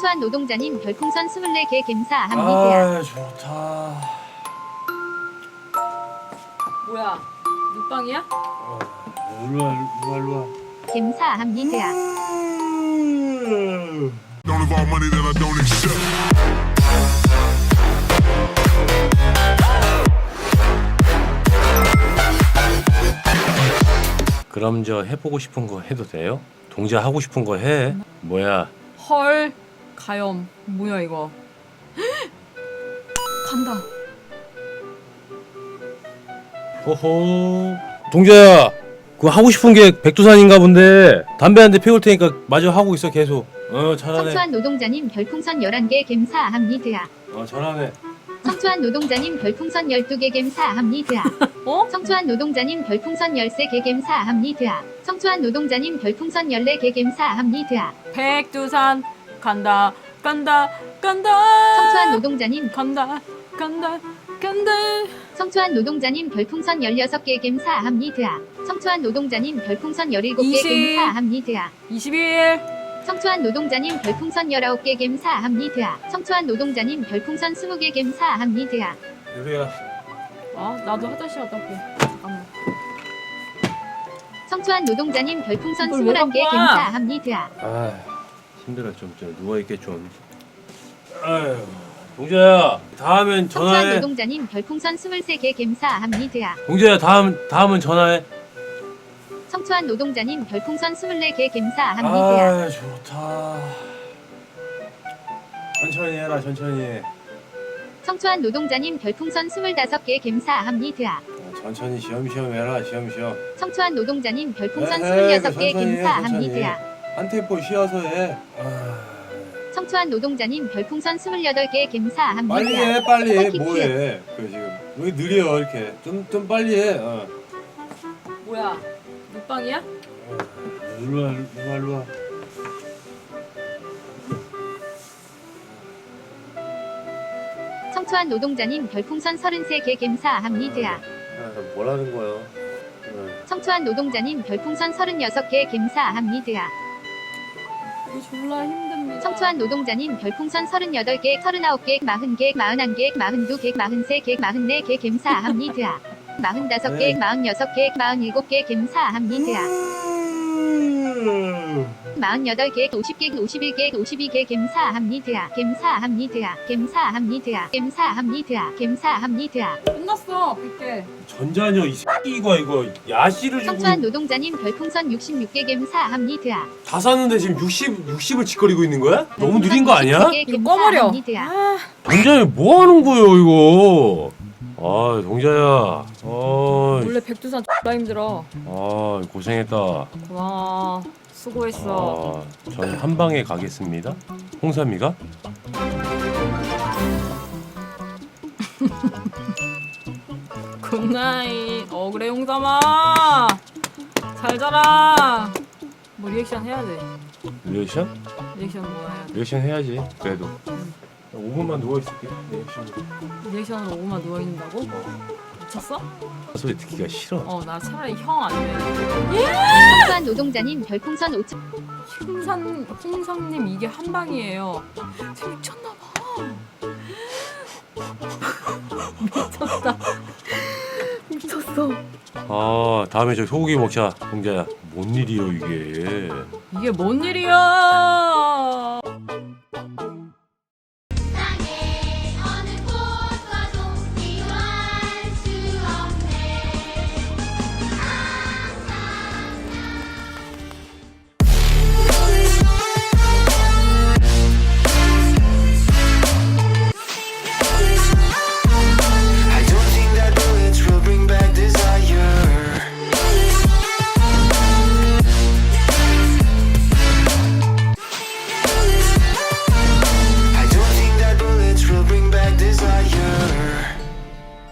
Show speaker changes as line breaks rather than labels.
청초한 노동자님 별풍선 24개 감사합니다.
아 좋다.
뭐야? 묵방이야?
일로와 일로와.
감사합니다.
Don't involve money that I don't accept.
그럼 저 해보고 싶은 거 해도 돼요? 동자 하고 싶은 거 해. 뭐야?
헐 가염 뭐야 이거? 간다.
호호. 동자야, 그거 하고 싶은 게 백두산인가 본데 담배 한 대 피울 테니까 마저 하고 있어 계속. 잘하네.
청초한 노동자님 별풍선 11개 감사합니다.
잘하네.
청초한 노동자님 별풍선 12개 감사합니다.
어?
청초한 노동자님 별풍선 13개 감사합니다. 청초한 노동자님 별풍선 14개 감사합니다.
백두산 간다 간다 간다.
청초한 노동자님
간다 간다 간다.
청초한 노동자님 별풍선 16개 감사합니다. 청초한 노동자님 별풍선 17개
20.
감사합니다.
21.
청초한 노동자님 별풍선 19개 감사합니다. 청초한 노동자님 별풍선 20개 감사합니다.
유리야.
아 나도 화장실 갔다 올게. 잠깐만.
청초한 노동자님 별풍선
이걸 왜
21개
갖고 와?
감사합니다.
아 힘들어 좀 누워 있게 좀. 아유 동자야 다음엔
청초한
전화해.
노동자님 별풍선 23개 감사합니다.
동자야 다음은 전화해.
청초한 노동자님 별풍선 24개 감사합니다.
아 좋다. 천천히 해라 천천히.
청초한 노동자님 별풍선 25개 감사합니다.
천천히 쉬엄쉬엄 해라 쉬엄쉬엄.
청초한 노동자님 별풍선
에이,
26개
천천히 해,
감사합니다.
한 템포 쉬어서 해.
청초한 노동자님 별풍선 28개 감사합니다.
빨리 해 빨리 해.
키키.
뭐해 그 지금 왜 느려 이렇게 좀 빨리 해.
뭐야? 묵방이야?
일로와.
청초한 노동자님 별풍선 33개 감사합니다.
뭐라는 거야?
청초한 노동자님 별풍선 36개 감사합니다.
이거 졸라 힘듭니다.
청초한 노동자님 별풍선 38개, 39개, 40개, 41개, 42개, 43개, 44개 감사합니다. 45개, 46개, 47개 감사합니다. 48개, 50개, 51개, 52개 감사합니다. 감사합니다.
끝났어. 100개.
전자녀 이 새끼가 이거 야시를 주고
청초한 노동자님 별풍선 66개 감사합니다.
다 샀는데 지금 60을 짓거리고 있는 거야? 너무 느린 거 아니야?
이거 꺼버려. 아,
동자야 뭐 하는 거예요 이거? 아 동자야.
원래 백두산 졸라 힘들어.
고생했다.
고마워. 수고했어.
전 한 방에 가겠습니다. 홍삼이가?
굿나잇. 그래 용삼아. 잘 자라. 뭐 리액션 해야 돼.
리액션?
리액션 뭐 해야 돼.
리액션 해야지. 그래도 5분만 누워 있을게.
리액션으로 5만 누워 있는다고? 미쳤어?
소리 듣기가 싫어.
나 차라리 형 아니면
청초한 노동자님 별풍선 5천
홍상님 이게 한 방이에요. 쟤 미쳤나봐. 미쳤어.
다음에 저 소고기 먹자. 동자야. 뭔 일이요 이게?
이게 뭔 일이야?